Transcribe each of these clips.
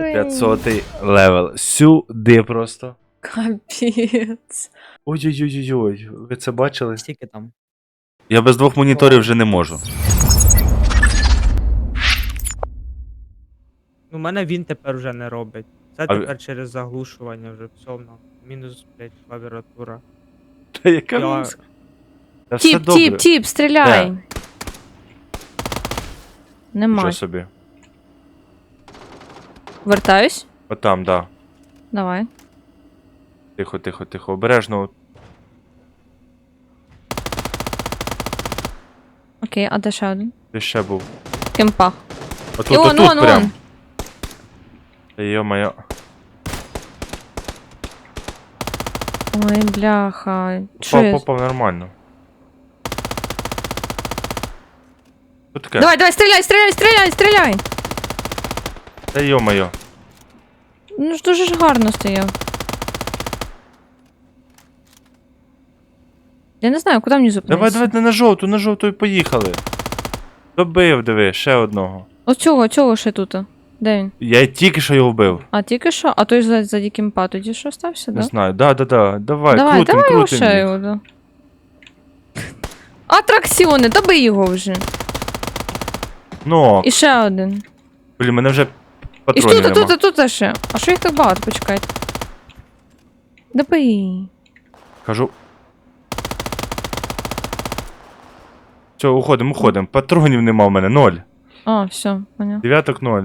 рівень. 500 левел. Сюди просто. Капець. Ой-ой-ой-ой. Ви це бачили? Скільки там? Я без двох моніторів вже не можу. У мене він тепер вже не робить. Це А тепер через заглушування вже все одно. Мінус, блядь, клавіатура. Та яка Я... музика? Та все Тіп, добре. тіп, стріляй. Нема. Що собі? Вертаюсь? Отам, да. Давай. Тихо, тихо, тихо. Обережно. Окей, а де ще один? Де ще був? Кемпа. Отут, І он, отут он, прям. он. Та йо-моє. Ой, бляха. Що я... Попав нормально. Що таке? Давай, давай, стріляй, стріляй, стріляй, стріляй. Та йо-моє. Ну ж дуже ж гарно стояв. Я не знаю, куди мені зупинитися. Давай, на жовту і поїхали. Добив, диви, ще одного. Оцього ще тут. Де він? Я тільки що його вбив. А тільки що? А той за кемпа тоді що стався, Не да? знаю. Да. Давай, Давай крутим його їх. ще його, да. Атракціони, добий його вже. Ну, І ще один. блін, мене вже І патронів нема. тут ще. А що їх так багато? Почекайте. Добий. Кажу. Все, уходимо. Патронів нема в мене, 0. А, все, понятно. Дев'яток 0.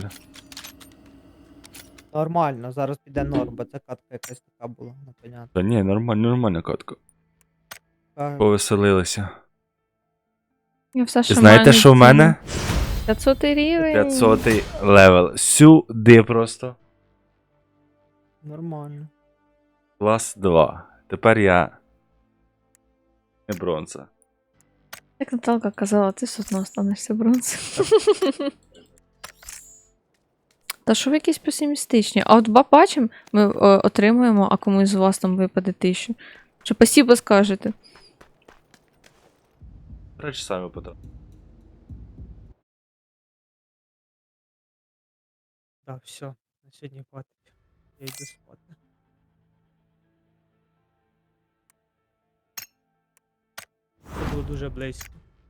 Нормально, зараз піде норм, бо це катка якась така була, непонятно. Та ні, нормальна катка. Та, Повеселилися. Я все, що І знаєте, маю, що в мене? 500 рівень. 500 левел. Сюди просто. Нормально. Клас 2. Тепер я не бронза. Як Наталка казала, ти все одно останешся бронзою. Та що ви якісь песимістичні? А от бачимо, ми отримуємо, а комусь з вас там випаде 1000. Що спасибо скажете. Речі самі потім. Так, все, на сьогодні хватить. Я йду спати. Це було дуже близько.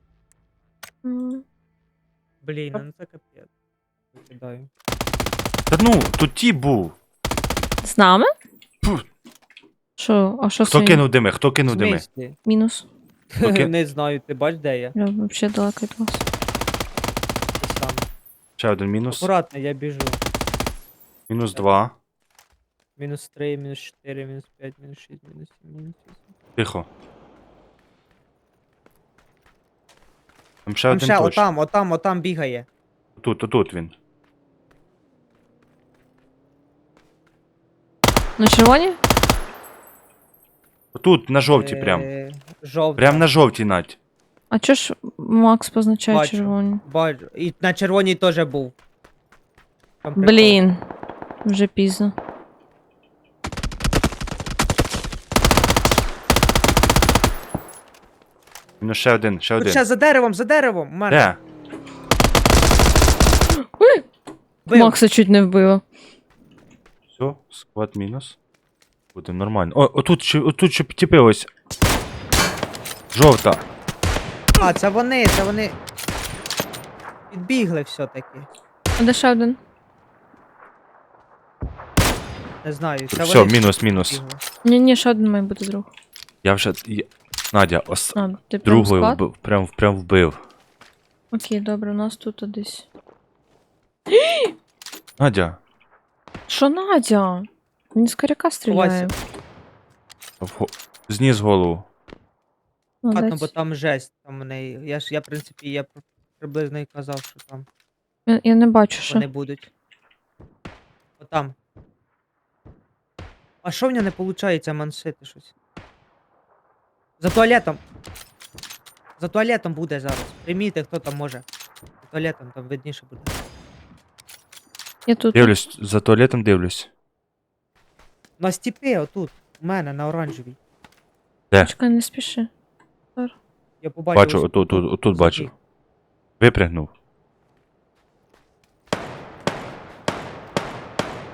Блін, ну це капець. Викидаю. Та ну, тут ті був. З нами? Фу. Що? А що Хто це? кинув дими? Хто В кинув дими? смислі? Мінус. Окей. Не знаю, ти бач, де я? Я взагалі далеко від вас. Ти сам. Ще один мінус. Акуратно, я біжу. Мінус 2. Мінус 3, мінус 4, мінус 5, мінус 6, мінус 7, мінус 8. Тихо. Там ще Там один ще, точно. отам бігає. Тут він. На червоні? Тут, на жовтій прям. Жовта. Прям на жовтій, Надь. А чого ж Макс позначає Бачу. червоні? Бачу. І на червоній теж був. Там прикол. Блін. Вже пізно. Мінус ще один. Тут ще за деревом, у мене. Де? Бив. Макса чуть не вбило. Все, склад мінус. Буде нормально. О, отут ще тіпи ось. Жовта. А, це вони. Підбігли все-таки. А де ще один? Не знаю, це Все, вони. мінус. підбігли. Ні, ще один має бути друг. Я вже. Надя, А, ти прям другою склад? вбив. Прям вбив. Окей, добре, у нас тут десь. Надя. Що Надя? Він з коряка стріляє. Зніс голову. Ладно, Молодець. бо там жесть, там в неї. Я в принципі, я приблизно і казав, що там Я не бачу, що. вони будуть. Отам. А що в нього не виходить мансити щось? За туалетом. За туалетом буде зараз. Прийміть, хто там може. За туалетом там видніше буде. Я тут. Дивлюсь, за туалетом дивлюсь. На стіпі отут. У мене на оранжевій. Чекай, не спіши. Я побачив. Бачу, ось отут бачу. Випрягнув.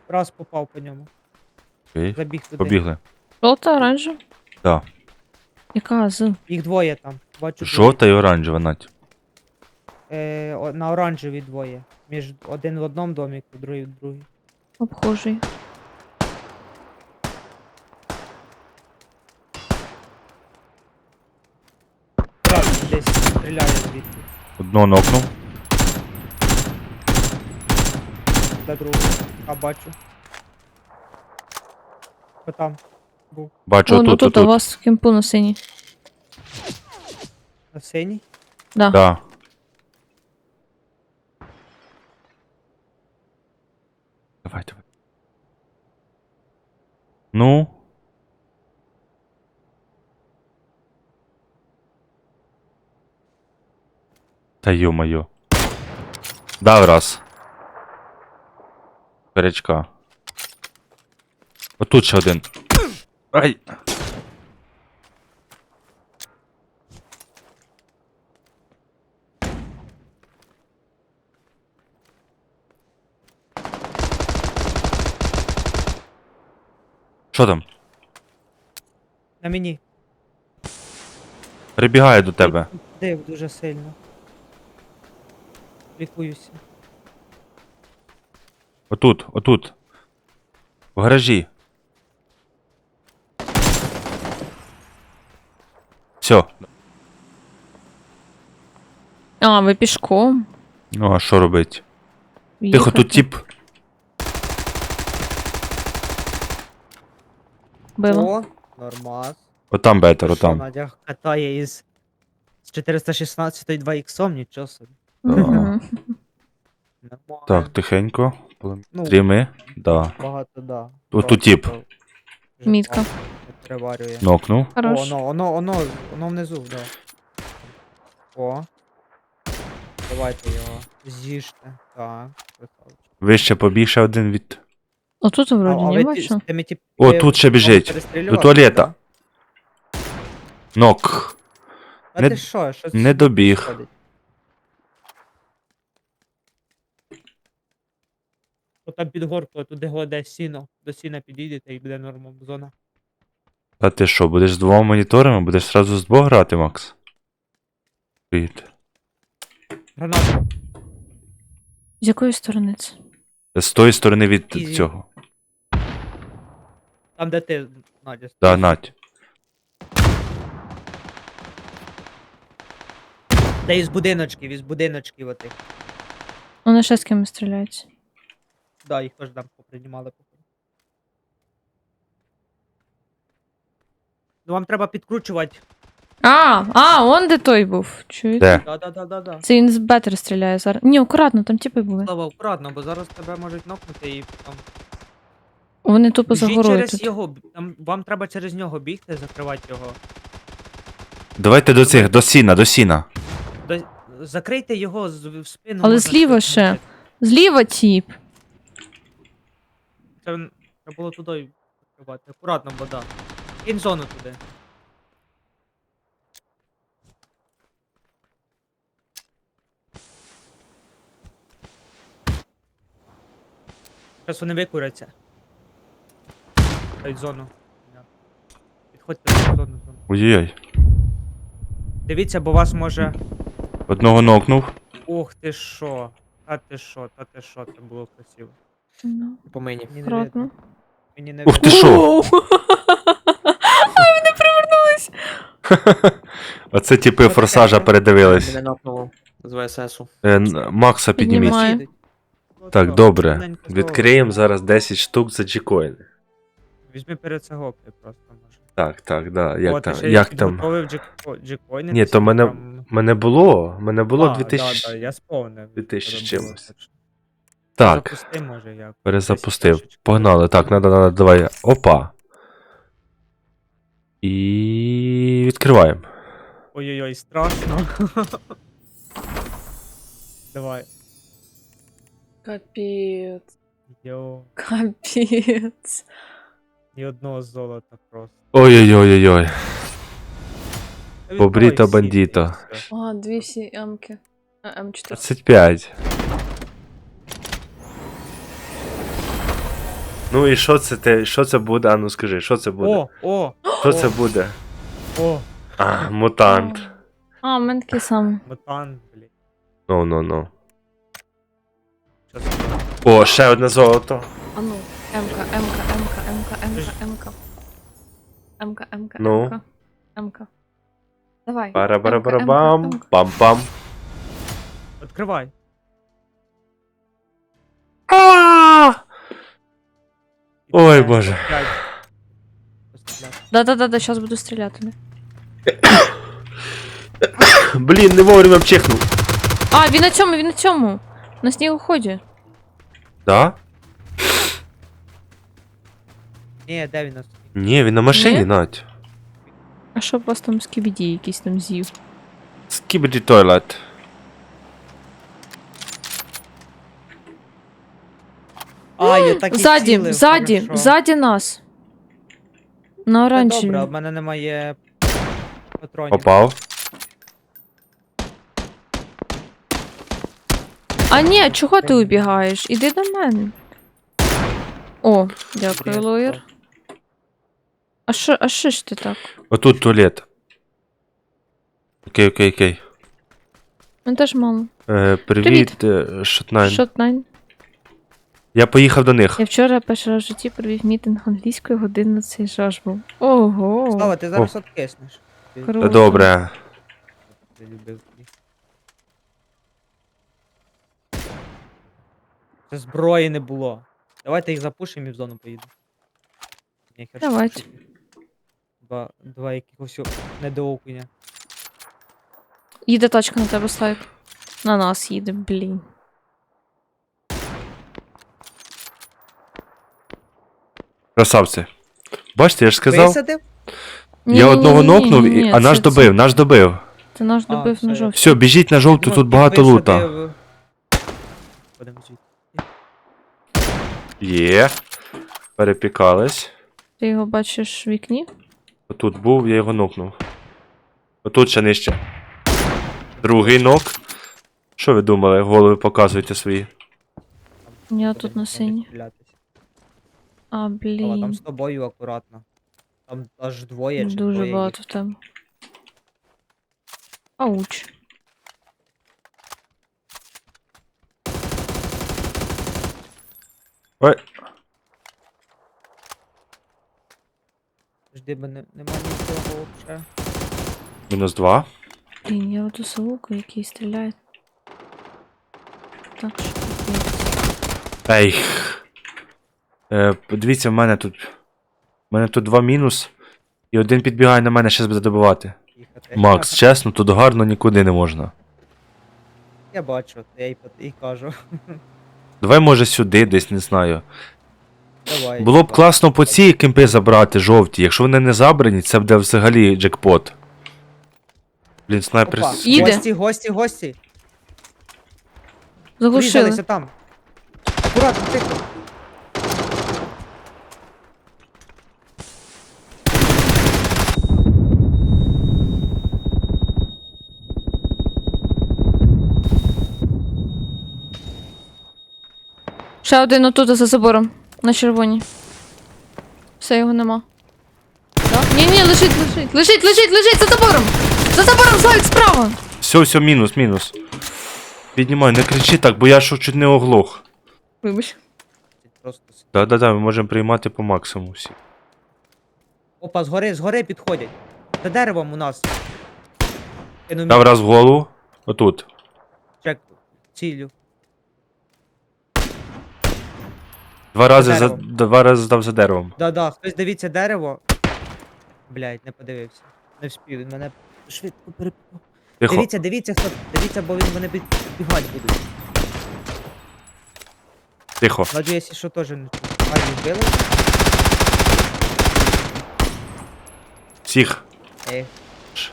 Раз попав по ньому. Окей. Забіг туди. Побігли. Жовта, оранжева? Да. Яка з? Їх двоє там. Бачу Жовта і оранжева, Надь. на оранжеві двоє. Один в одному доміку, другий в другий. Обхожий. Раз десь стріляє звідти. Одного нокнув. До другого. А бачу. Хто там? Був Бачу, Вон отут, отут, у отут. вас в кемпу на синій. на синій. Да. Да. Давай, давай. Ну. Та ё-моё. Дав раз. Перечка. Отут ще один. Ай! Що там? На мені. Прибігає до тебе. Див дуже сильно. Лікуюся. Отут, отут. В гаражі. Все. А, ви пішком. Ну, а що робить? Тихо, Їхати. тут тип. Била. О, нормас. Отам бетер, Що, отам. Надя катає із 416 2 іксом, нічого собі. Мгм. Нормально. Так, тихенько. Ну, Стріми. Да. багато, да. Отут тип. Мітка. Переварює. Нокнув. О, Хорош. воно внизу, да. О. Давайте його. З'їжте. Так, красавчик. Вище побіг ще один від. Отут вроді не ви бачу. з тими О, тут ще біжить. перестрілювали, До туалета. да? Нок. А Не- ти що? Що не добіг. сходить? От там під горкою, туди гладе сіно. До сіна підійдете і буде норма зона. А ти що, будеш з двома моніторами? Будеш сразу з двох грати, Макс? Привіт. Граната. З якої сторони це? З тої сторони від Ізі. цього. Там, де ти, Надя. Да, Надь. Де із будиночків отих. Вони ще з кимось стріляються. Да, їх теж там поприймали. Ну вам треба підкручувати. Он де той був. Чуєте? Де? Да. Це він з бетер стріляє зараз. Ні, акуратно, там типи були. Слава, акуратно, бо зараз тебе можуть нокнути і там. Вони тупо за Біжіть горою через тут. його, там, вам треба через нього бігти, закривати його. Давайте до цих, до сіна, до сіна. Закрийте його в спину. Але можна зліва щось ще. зробити. Зліва тіп. Це треба було туди закривати. Акуратно, бо да. Кінь зону туди. Зараз вони викуряться. Дають зону. Підходьте в зону. Ой-ой-ой. Дивіться, бо вас може. Одного нокнув. Ох ти що. Та ти що, це було красиво. Ну, По мені. Мені не акуратно. видно. Мені не Ух ти видно. що? Воу! Ай, вони привернулись! Оце типи Що форсажа таке? передивились. Мене нокнуло з ВССу. Макса підніміть. Піднімаю. Їдуть. Так, Ото, добре. тоненько Відкриємо золото. зараз 10 штук за джікоїни. Візьми перед це гопти просто може. Так, да. Як О, ти там? ще Як й там? підготовив джекоїни. Ні, то мене мене було Да, 2000. я сповнив. 2000 Треба чимось. було, що. Так, Запусти, може, як. перезапустив. Десь трошечки. Погнали. Так, надо, давай. Опа. І відкриваємо. Ой-ой-ой, страшно. Давай. Капець. Йо, Капець. ні одного золота просто. Ой-ой-ой-ой-ой. Та Побріто відкривай всі, бандіто. і все. А, дві всі М-ки. М4. 25. Ну і що це те? Що це буде? А ну скажи, що це буде? О, Що це буде? о, А, мутант. А, в мене такий самий. мутант, блін. Ну. Що це? О, ще одне золото. А ну, М-ка. Ну. М-ка. Давай. Бара-бара-бара-бам. М-ка. Пам-пам. Відкривай. А! Ой, боже. Постріляй. Постріляй. Да-да-да, зараз буду стріляти. Блін, не вовремя вчихнув. А, він на цьому. На снігоході. Да? Ні, де він нас? Ні, він на машині, Ні? Надь. А що б вас там скібіді якийсь там з'їв? Скібіді тойлет. А, я так і цілив, хорошо. Ззаді нас. На Це оранжеві. добре, в мене немає патронів. Попав. А ні, чого ти убігаєш? Іди до мене. О, дякую, Блін, лоєр. А що ж ти так? Отут туалет. Окей. Він теж мало. Привіт, Шотнайн. Шотнайн. Я поїхав до них. Я вчора перший раз в житті провів мітинг англійської години, цей жаж був. Ого. Слава, ти зараз откиснеш. Ти Круто. Добре. любив. Це зброї не було. Давайте їх запушимо і в зону поїду. Ні, хер Давайте. що. Два якихось недоокуня. Їде тачка на тебе, Слайк. На нас їде, блін. Красавці. Бачите, я ж сказав. Висадив? Я одного нокнув, Ні-ні-ні, а наш це- добив, наш добив. Це наш А, добив все, на я- жовтій. Все, біжіть на жовту, Ну, тут ти багато лута. висадив. Ходимо звідти. Є. Перепікались. Ти його бачиш в вікні? Отут був, я його нокнув. Отут ще нижче. Другий нок. Що ви думали? Голови показуйте свої. Я тут Ходимо, на синій. стрілятись. А, Слава, там блін. з тобою акуратно. Там аж двоє чи Дуже троє багато в тебе. Ауч. Ой, їх. Жди, бо нема нічого взагалі. -2. Блін, я оту совуку, який стріляє. Так, що капець. Ей. Подивіться, в мене тут 2 мінус. І один підбігає на мене, щас буде добивати. Їхати. Макс, чесно, тут гарно нікуди не можна. Я бачу, я і кажу. Давай, може, сюди, десь, не знаю. Давай. Було б класно по ці кемпи забрати жовті. Якщо вони не забрані, це буде взагалі джекпот. Блін, снайпер. Опа, Їде. гості. Заглушили. Врізалися там. Акуратно, тихо. Ще один отут за забором. На червоній. Все, його нема. Да? Ні, лежить за забором! За забором, Слайк, справа! Все, мінус. Піднімай, не кричи так, бо я що чуть не оглох. Вибач. Просто... Да, ми можемо приймати по максимуму всі. Опа, згори підходять. За деревом у нас. Кину Дав раз в голову. Отут. чек. Цілю. Два рази дерево. здав за деревом. Да, хтось дивіться дерево. Блять, не подивився. Не вспів, він мене швидко перепав. Тихо. Дивіться, бо вони бігати будуть. Тихо. Надю, якщо що, теж не чую. Ай, вбили? Всіх. Ей. Ш.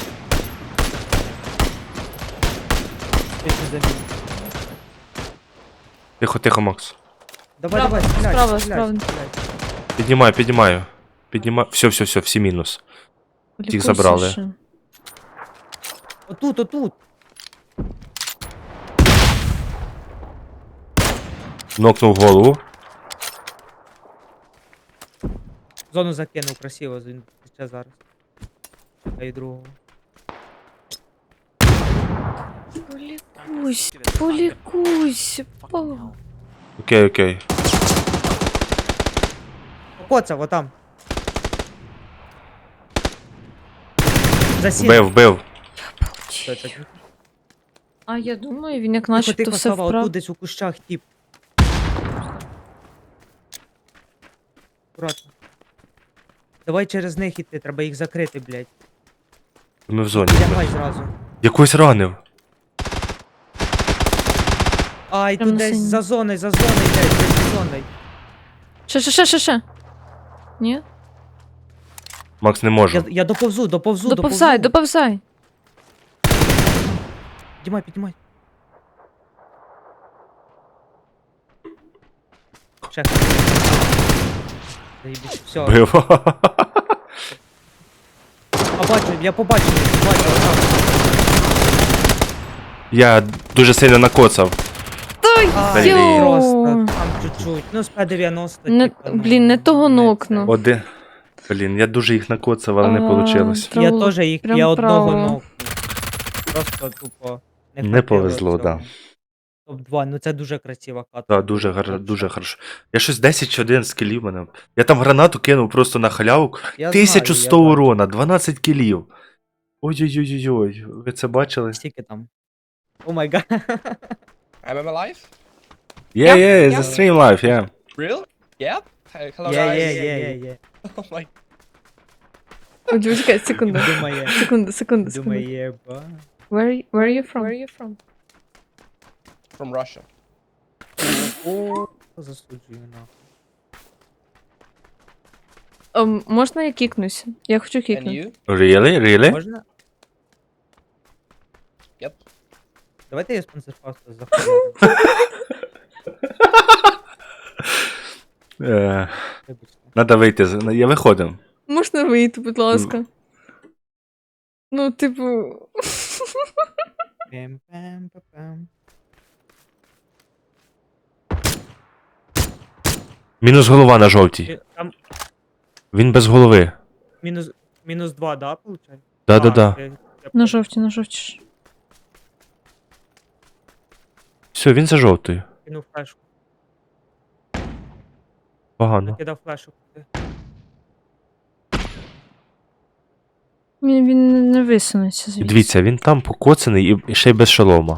Щось не замінив. Тихо, Макс. Давай, стріляй, справа. стріляй. Піднімаю. Все, всі мінус. Тих забрали. Ще. Отут. Нокнув голову. Зону закинув красиво, він ще зараз. Та й другого. Полікусь, полікусь. О. Окей, окей. Покоцав, отам. Засів. Вбив. Що це? А я думаю, він як Тихо, начебто тихо, все Сава, вправ. отут десь у кущах, тип. Аккуратно. Давай через них іти, треба їх закрити, блядь. Ми в зоні. Лягай зразу. Якось ранив. Ай, Прям тут на десь синій. за зоною, блядь, десь за зоною. Ще. Ні? Макс, не можу. Я доповзу. Доповзай. Піднімай. Ще. Заєбісь, все. Вбив. Я побачив, отам. Я дуже сильно накоцав. Ай, Блін. просто, там чуть-чуть. Ну, з П-90, Не, типу, ну, блін, не того не нокнув. Один. Блін, я дуже їх накоцав, але не А, вийшло. це. Я теж їх, Прям я одного право. нокнув. Просто тупо Не хватило повезло, цього. да. Топ-2, ну це дуже красива катка. Так, дуже хорошо. Я щось 10 чи 1 скілів мене. Я там гранату кинув просто на халяву. Я 1100 знаю, я бачу. урона, 12 кілів. Ой-ой-ой-ой, ви це бачили? Скільки там? О май гад. Am I alive? Yeah, it's a stream live, yeah. Real? Yeah? Hello Є, guys. є. Oh my. Чекай, секунду. Думає, Секунду. думає, ба. Where are you from? From Russia. О, засуджую нахуй. Можна я кікнуся? Я хочу And кікнути. you? Really? Можна? Yep. Давайте я спонсор просто захуярю. Вибачте. Надо вийти, я виходимо. Можна вийти, будь ласка. Ну, типу. Пем-пем-пем-пем. Мінус голова на жовтій. Там Він без голови. мінус 2, да, получається? Да. На жовті. Все, він за жовтою. Кинув флешку. Погано. Кидав флешку. Він не висунеться І звідси. дивіться, він там покоцаний і ще й без шолома.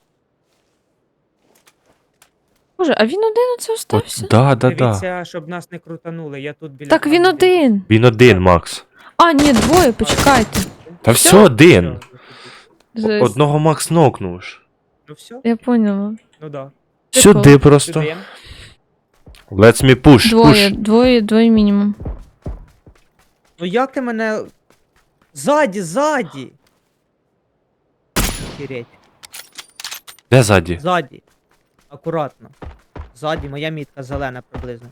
Боже, а він один оце От, остався? да. Дивіться, щоб нас не крутанули, я тут біля... Так він камери. один. Він один, Макс. А, ні, двоє, почекайте. Та все один. Жесть. Одного Макс нокнув ж. Ну все, Я поняла. ну да. Сюди просто. Сюди. Let's me push. Двоє мінімум. Ну як ти мене... Ззаді! Охереть. Де ззаді? Ззаді. Акуратно. Ззаді, моя мітка зелена приблизно.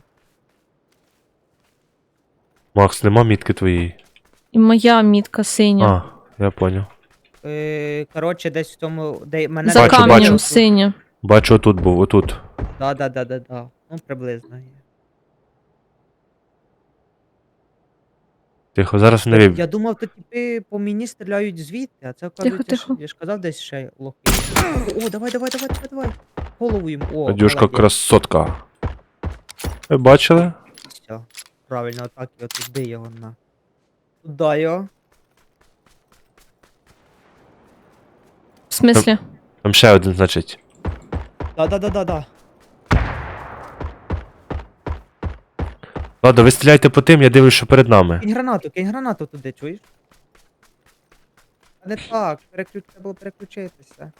Макс, нема мітки твоєї. І моя мітка синя. А, я поняв. Коротше, десь в тому, де мене... За Бачу, камнем бачу. синя. Бачу, отут був, отут. Да. Ну, приблизно. Тихо, зараз не виб. Я думав, то типи по мені стріляють звідти, а це оказується, Тихо. я ж казав десь ще лохи. О, давай. Голову їм. О, Надюшка молодець. красотка. Ви бачили? Все. Правильно, отак його туди його на. Туда його. В смислі? Там ще один, значить. Да. Ладно, ви стріляйте по тим, я дивлюсь, що перед нами. Кинь гранату туди, чуєш? А не так, треба було переключитися.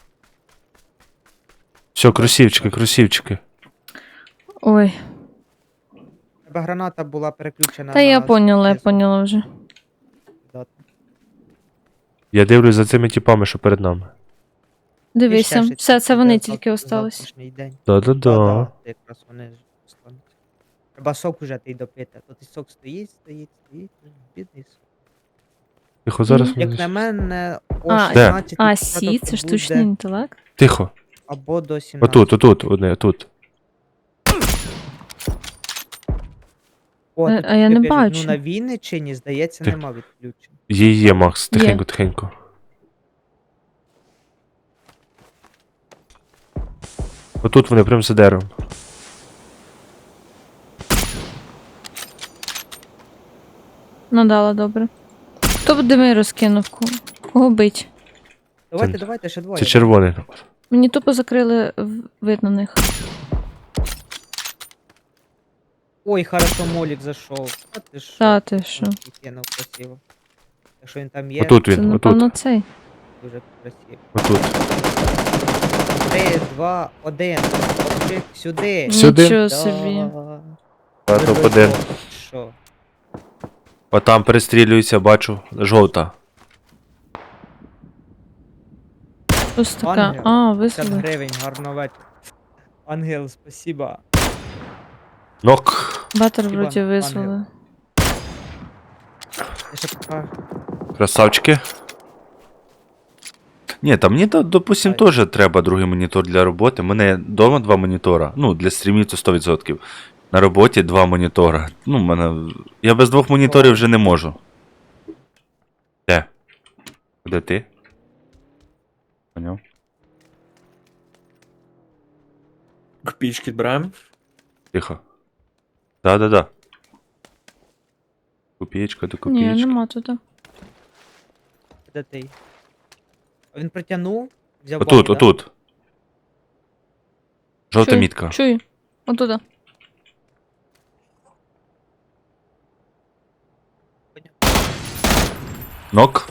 Все, кросівчики. Ой. Треба граната була переключена Та я на поняла вже. Да. Я дивлюсь за цими типами, що перед нами. Дивися, І ще все, це вони буде тільки остались. завтрашній день. Да-да-да. Да, якраз вони ж остануться. Треба сок уже ти допити, а то ти сок стоїть, бідний сок. Тихо, зараз. Мгм. ми- Як на мене, о А, 16 А, сі, це штучний інтелект? Тихо. або до 17. Отут, одне, отут. О, А- тут а я люди не пишуть, бачу. Ну на Вінниччині, здається, Ти- нема відключень. Є, Макс, тихенько, тихенько. Отут вони прям за деревом. Надала, добре. Хто б дими розкинув? Кого бить? Давайте, Це- давайте, ще двоє. Це червоний. Мені тупо закрили вид на них. Ой, хорошо, Молік зайшов. А ти що? Та ти що? Кинув красиво. Якщо він там є, Отут Це, він, напевно, отут. цей. дуже красиво. Отут. 3, 2, 1. Хлопчик, сюди. Сюди. Нічого Да. собі. А, топ-1. Що? Отам перестрілюється, бачу. Жовта. Ось така. Ангел. А, 50 висунули. гривень, гарного вечора. Ангел, спасибо. Нок. Батер Хіба вроді ангел. висунули. Я ще пока... Красавчики. Ні, та мені, допустим, Ай. теж треба другий монітор для роботи. У мене вдома 2 монітора. Ну, для стрімів це 100%. На роботі 2 монітора. Ну, мене... Я без 2 моніторів вже не можу. Де? Де ти? Поняв? Копійки беремо. Тихо. Да. Копієчка до Ні, копієчки. нема тут. Де ти? Він притягнув, взяв Отут, бомбу, да? отут. Жовта Чую, мітка. Чую. Отуда. Нок.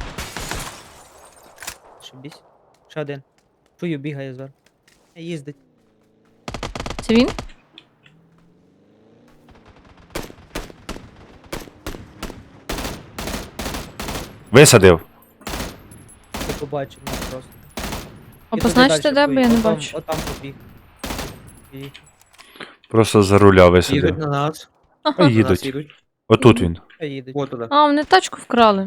Шибісь. Ще один. Чую, бігає зараз. Їздить. Це він? Висадив. Ти побачив мене просто. А І туди позначте, дальше де, бо я не поїхав. бачу. Отам побіг. Поїхав. Просто за руля Їдуть висадив. на нас. Ага. На нас Їдуть. їдуть. Отут він. Та їдуть. От туди. А, вони тачку вкрали.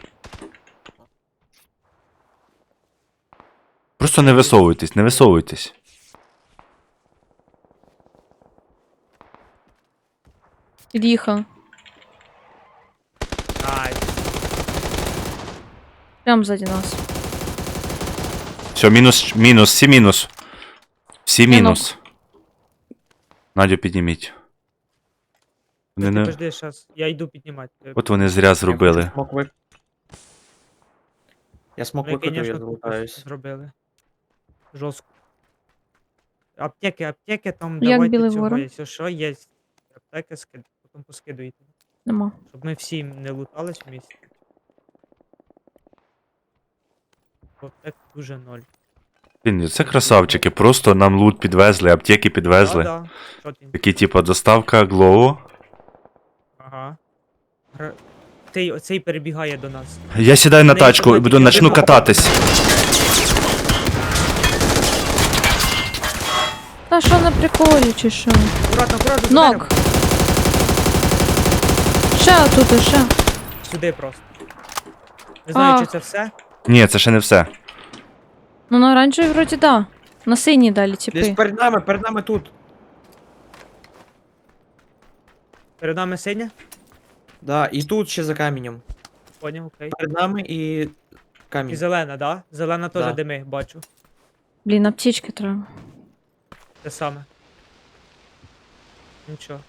Просто не висовуйтесь, не висовуйтесь. Під'їхав. Ай, Прямо ззаді нас. Все, мінус, всі мінус. Всі Я мінус. Надю підніміть. Вони не... подожди, щас. Я йду піднімати. От вони зря зробили. Я смок Вони, викрутив, я конечно, тупо залутаюсь. зробили. Жорстко. Аптеки там Як давайте білий цього, ворон? якщо що, є. Аптеки потім поскидуйте. Нема. Щоб ми всі не лутались в місті. Аптек дуже ноль. Блін, це красавчики, просто нам лут підвезли, аптеки підвезли. Да. Що ти? Такі, типа, доставка Глоу. Ага. Цей перебігає до нас. Я сідаю на Не, тачку і автоматики, начну один кататись. Та що на приколі, чи що? Аккуратно, Нок! Ще отут, ще. Сюди просто. Не знаю, А. чи це все. Ні, це ще не все. Ну на оранжевій вроді да. На синій далі Десь тіпи. перед нами тут. Перед нами синя. Да, і тут ще за каменем. Поняв, окей. Перед нами і І камінь. зелена, да? Зелена теж Да. дими, бачу. Блін, аптечки треба. Те саме. Нічого.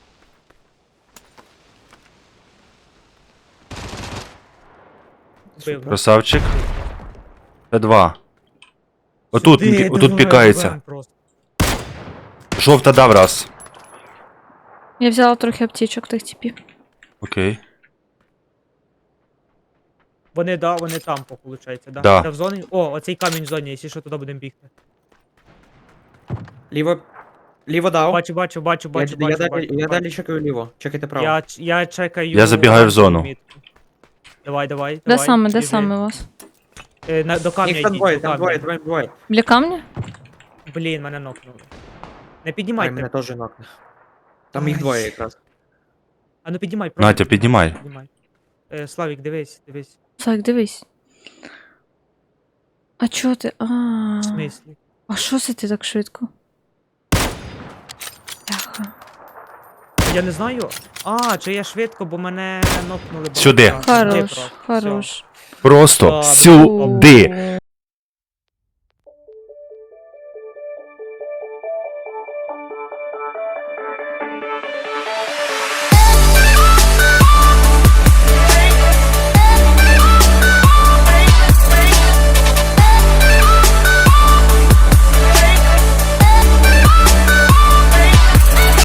Вбив, да? Красавчик. Це 2. Отут, Сюди, отут давай, пікається. давай просто. Жовта дав раз. Я взяла трохи аптечок тих типів. Окей. Вони там, виходить, да? Да. Це в зоні. О, оцей камінь в зоні, якщо що, туди будемо бігти. Ліво дав. Бачу. Я далі чекаю ліво. Чекайте право. Я чекаю. Я забігаю в зону. мітку. Давай. Де саме, де біжи. саме у вас? До камня Їх там йдіть, двоє, до там камня. двоє. Біля камня? Блін, мене нокнули. Не Ай, піднімайте. мене теж нокне. Там їх Ай. двоє якраз. А ну піднімай, Надя, піднімай. Славік, дивись. Так, дивись. А чого ти? В смислі? А що це ти так швидко? Бляха. Я не знаю. Чи я швидко, бо мене нокнули. Сюди. багато разів. Хорош, Сюди просто. хорош. Просто Так. сюди.